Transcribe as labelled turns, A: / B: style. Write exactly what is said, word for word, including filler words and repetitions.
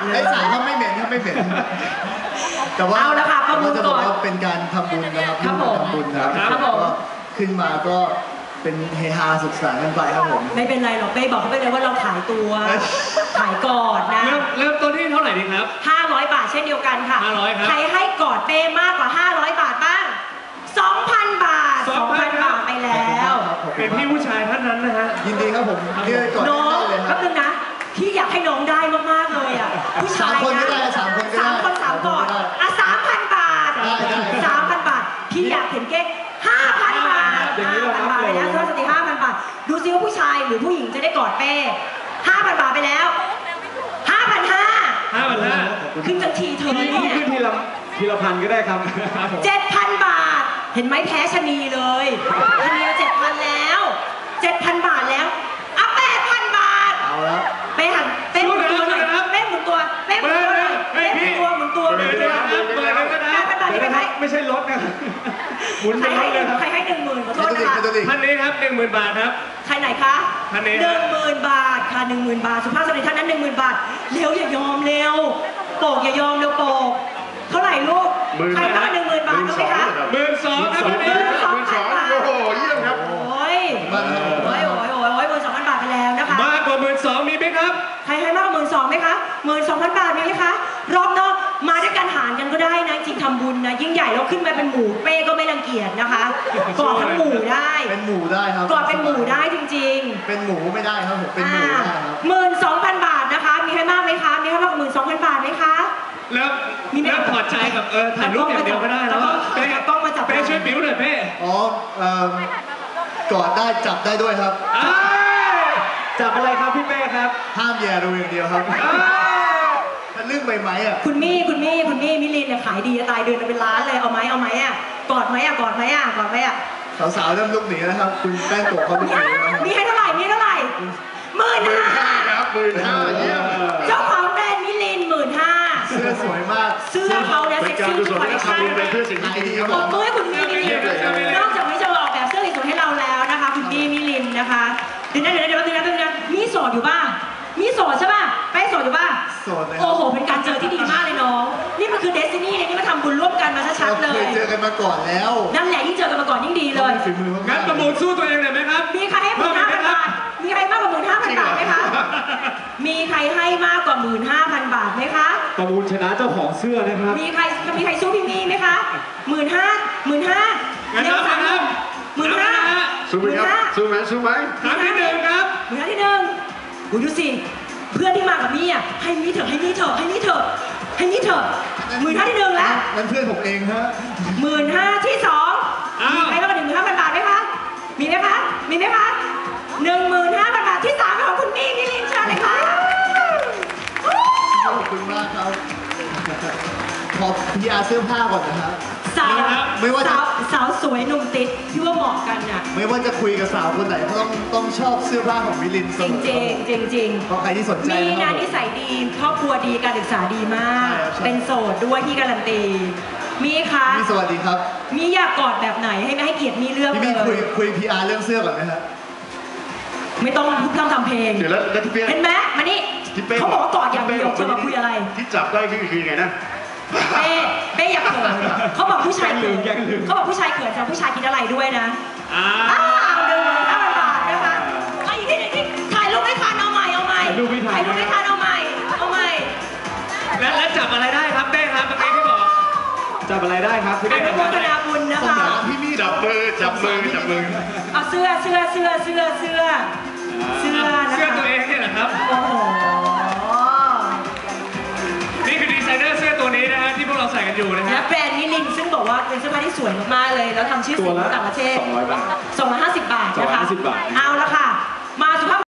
A: เลย
B: ไอ้สารก็ไม่เหม็นครับไม่เหม็นแต่ว่า
A: เอาละค่ะประมูล
B: จะบ
A: ก่
B: อก
A: อน
B: ว่าเป็นการทำบุญนะครับ
A: ครับผม
B: ทำบุญนะครับ
A: ครับผม
B: ก็ขึ้นมาก็เป็นเฮฮาสุขสันต์กันไปครับผม
A: ไม่เป็นไรหรอกเป้บอกเขาไปเลยว่าเราขายตัว ขายกอดนะ
C: เริ่มเริ่มต้นที่เท่าไหร่ดีครับ
A: ห้าร้อยบาทเช่นเดียวกันค่ะ
C: ห้าร้อยครับ
A: ใครให้กอดเป้มากกว่าห้าร้อยบาทบ้างสองพันบาท
C: สองพัน
A: บาทไปแล้ว
C: เป็นพี่ผู้ชายท่านนั้นนะฮะ
B: ยินดีครับผมเรียกก่อน
A: น้อง
B: ได้เลยค
A: แป๊
B: รั
A: บบ นึงนะพี่อยากให้น้องได้มากๆเลยอ่ะผู้ชาย
B: สามคนก็
A: นะ
B: ได้สามคนก็ได้
A: สามคนสามกอด
B: สามคนก็ได้
A: อ่ะสามพันบาท
B: ได้ได้
A: สามพันบาทพี่อยากเห็นเก๊กห้าพันบาท
C: อย่างนี้
A: ห้า
C: เหรอ
A: พัน
C: ครับ
A: บาทไปแล้วเท่าสติห้าพันบาทดูซิว่าผู้ชายหรือผู้หญิงจะได้กอดเป้ห้าพันบาทไปแล้วห้าพันห้า
C: ห้าพันห้า
A: ขึ้นทันทีเธอ
D: ขึ้น
A: เนี่ย
D: ทีละทีละพันก็ได้ครับ
A: เจ็ดพันบาท เห็นไหมแพ้ชะนีเลยชะนีเจ็ดพันแล้วเจ็ดพันบาทแล้วอ่ะแปดพันบาท
B: เอาแล้ว
A: เป้หันเป้หมุนตัวหน่อยเป้หมุนตัวเป้หมุนตัวหน่อยเป้หมุนตัวหมุนตัวหมุนตัว
C: เปิดเลยก็ได้
A: แปดพันบาท
D: เดี๋ยว
A: ใคร
D: นะค
A: ให้
D: รับไม่ใช่รถนะหมุน
A: ใคร
D: เป็นร
A: ให้
D: ถ
A: ห
D: เล
A: นึ่
D: ย
A: ง
D: ครับ
A: ใครให้หนึ่งหมื่นขอโท
B: ไม่
A: ษ
B: ต้อง
A: นะ
B: ดิ
A: คะ
B: ไม่ต้องดิ
C: ท่านนี้ครับหนึ่งหมื่นบาทครับ
A: ใครไหนคะ
C: ท่านนี้
A: ห
C: ครั
A: นึ่
C: บ
A: งหมื่นบาทค่ะหนึ่งหมื่นบาทสุภาพสตรีท่านนั้นหนึ่งหมื่นบาทเร็วอย่ายอมเร็วโป่งอย่ายอมเร็วโป่งเท่าไหร่ลูกใครบ้างหนึ่งหมื่นบาทเอาไหมคะ
C: หมื่นสองครับท่านนี้
A: หมื่นสองโอ้โหเยี่ยมครับโอ้ย
B: มาแล้ว
A: โอ้ยโอ้ยโอ้ยโอ้ยหมื่นสองพันบาทไปแล้วนะคะ
C: มากกว่าหมื่นสองมีไหมครับ
A: ใครให้มากกว่าหมื่นสองไหมคะหมื่นสองพันบาทมีไหมคะรอบนอกมาด้วยกันหารกันก็ได้นะจริงทำบุญนะยิ่งใหญ่แล้วขึ้นมาเป็นหมู่เป้ก็ไม่รังเกียจนะคะกอดทั้งหมู่ได้
B: เป็นหมูได้ครับ
A: กอดเป็นหมู่ได้จริง
B: เป็นหมูไม่ได้ครับผมเป็นหมูได้ครับ
A: หมื่นสองพันบาทนะคะ มีใครมากไหมคะมีใครมากกว่าหมื่นสองพันบาทไหมคะ
C: แล้ว
A: มีไหม
C: แล้วถอดใจกับเออถ่ายรูปอย่างเดียวก็ได้แล้ว
A: เป้ต้องมาจับ
C: เป้ช่วยบิ้วหน่อยเป้
B: อ๋อเอ่อกอดได้จับได้ด้วยครับ
C: อ้าย
D: จับอะไรครับพี่เป้ครับ
B: ห้ามแย่ดูอย่างเดียวครับ
C: อ้าย
B: มันเรื่องใบไม้อะ
A: คุณมี่คุณมี่คุณมี่มิลินเนี่ยขายดีจะตายเดือนละเป็นล้านเลยเอาไหมเอาไหมอ่ะกอดไหมอ่ะกอดไหมอ่ะกอดไหมอ่ะ
B: สาวๆเริ่มลุกหนีแล้วครับ คุณแป้งโกะเขาลุกหนีแล้วครับ
A: มีให้เท่าไหร่มีให้เท่าไหร่หมื่นห้า
B: ครับหมื่นห้าเยี่ยม
A: เจ้าของแบรนด์มิลินหมื่นห้า
B: เสื้อสวยมาก
A: เสื้อเขาเนี่ยเซ็กซี่ทุกคอลเลคชั่น
B: เป็นเพื่อสิ่งที่ดีครับ
A: ข
B: ผ
A: อบ
B: ม
A: มือให้คุณมี่มิลินนอกจากนี้จะออกแบบเสื้อสวยๆให้เราแล้วนะคะคุณมี่มิลินนะคะเดี๋ยวนะเดี๋ยวนะเดี๋ยวนะเดี๋ยวนะเดี๋ยวนะมีโสดอยู่ป่ะมีโสดใช่ป่ะแป้งโสดอยู่ป่ะ
B: โสดเลยครับ
A: โอ้โหเป็นการเจอที่ดีมากเลยน้องนี่มันคือเดสตินีเนี่ยนี่มาทำบุญร่วมกันมาชัดๆเล
B: เราเค
A: ย
B: ยเจอกันมาก่อนแล้ว
A: นั่นแหละยิ่งเจอกันมาก่อนยิ่งดีเลย
B: ฝีมือมากๆ
C: งั้นประมูลสู้ตัวเองหน่อยไหมครับ
A: มีใครให้หมื่นห้าพันบาทมีใครมากกว่าหมื่นห้าพันบาทไหมคะมีใครให้มากกว่าหมื่นห้าพันบาทไหมคะ
D: ประมูลชนะเจ้าของเสื้อนะครับ
A: มีใครมีใครสู้พี่มีไหมคะหมื่นห้าหมื่นห้า
C: งั้นนับนะครับ
A: หมื่นห้า
C: นับนะฮะ
A: สู้ไหมครับสู้ไหมสู้ไหม
C: ครั้งที่หนึ่งครับ
A: หมื่นห้าที่หนึ่งดูดูสิเพื่อนที่มากับมี่อ่ะให้มี่เถอะให้มี่เถอะให้มี่เถอะให้มี่เถอะหมื่นห้าที่หนึ่งแล้ว
B: นั่นเพื่อนผมเองฮะ
A: หมื่นห้าที่สอง
C: อ้าว
A: มีใครมากกว่าหนึ่งหมื่นห้าพันบาทไหมคะมีไหมคะมีไหมคะหนึ่งหมื่นห้าพันบาทที่สามเป็นของคุณมี่มิลินเชิญเลยค่ะ
B: ขอบคุณมากครับ ขอพีอาร์เสื้อผ้าก่อนนะครับ
A: สาว
B: ไม่ว่าจะ
A: สาวสาวสวยหนุ่มติดที่ว่าเหมาะกันน่ะ
B: ไม่ว่าจะคุยกับสาวคนไหนก็ต้องต้องชอบเสื้อผ้าของมิลินเส
A: จริง
B: มอ
A: จริงจริงจริง
B: เพราะใครที่สนใจ
A: มี
B: นะค
A: งา
B: รั
A: น
B: บ
A: นิสัยดีครอบครัวดีการศึกษาดีมาก
B: ใช่ครับใช่
A: เป็นโสดด้วยที่การันตีมีคะ
B: พี่สวัสดีครับ
A: มีอยากกอดแบบไหนให้ไม่ให้เกียรติมีเรื่อง
B: พี่
A: เล
B: มี่คุย
A: ย
B: คุยพีอาร์เรื่องเสื้อก่อนไหมครับ
A: ไม่ต้องพูดพร่ำทำเพลง
E: เดี๋ยวแล้วแล้วที่เป้
A: เห็นไหมมานี่
E: ที่เป้
A: เขาบอกว่ากอดอย่างเดียวเธอมาคุยอะไร
E: ที่จับได้คือคือไงนะ
A: เป้เป้อย่าเขินเขาบอกผู้ชายเขิน
D: แกล้งลืม
A: เขาบอกผู้ชายเขินแต่ผู้ชายคิดอะไรด้วยนะ
C: อ้า
A: อ้าว วหนึ่งหมื่นห้าพันบาทนะคะไอ้ที่ที่ถ่ายรูปไม่ทันเอาใหม่เอาใหม่
D: ถ่ายรูปไม่ทัน
A: ถ่ายรูปไม่ทันเอาใหม่เอาใหม่
C: แล้วแล้วจับอะไรได้ครับเป้ครับเมื่อกี้ที่บอก
D: จับอะไรได้ครับพี่
A: อ
D: เป้
A: นุโมทนาบุญนะ
B: สง
A: คะ
B: สารพี่มี่
E: จับมือจับมือจับมือ
A: เอาเสื้อเสื้อเสื้อเสื้อเสื้อเสื้อนะคะ
C: เสื้อตัวเองเนี่ยเหรอครับ
A: โอ้โห
C: นี่คือดีไซเนอร์เสื้อตัวนี้นะฮะที่พวกเราใส่กันอยู่นะ
A: และ
C: ฮะ
A: แบรนด์นิลินซึ่งบอกว่าเป็นเสื้อผ้าที่สวยมากๆเลยแล้วทำชื่อ
D: ตั
A: เสี
D: วย
A: ง
D: ละ
A: ต่างประเทศ
D: สองร้อยบาท
A: สองร้อยห้าสิบบาทนะคะ
D: สองร้อยห้าสิบบาท
A: เอาละค่ะ มาสุภาพ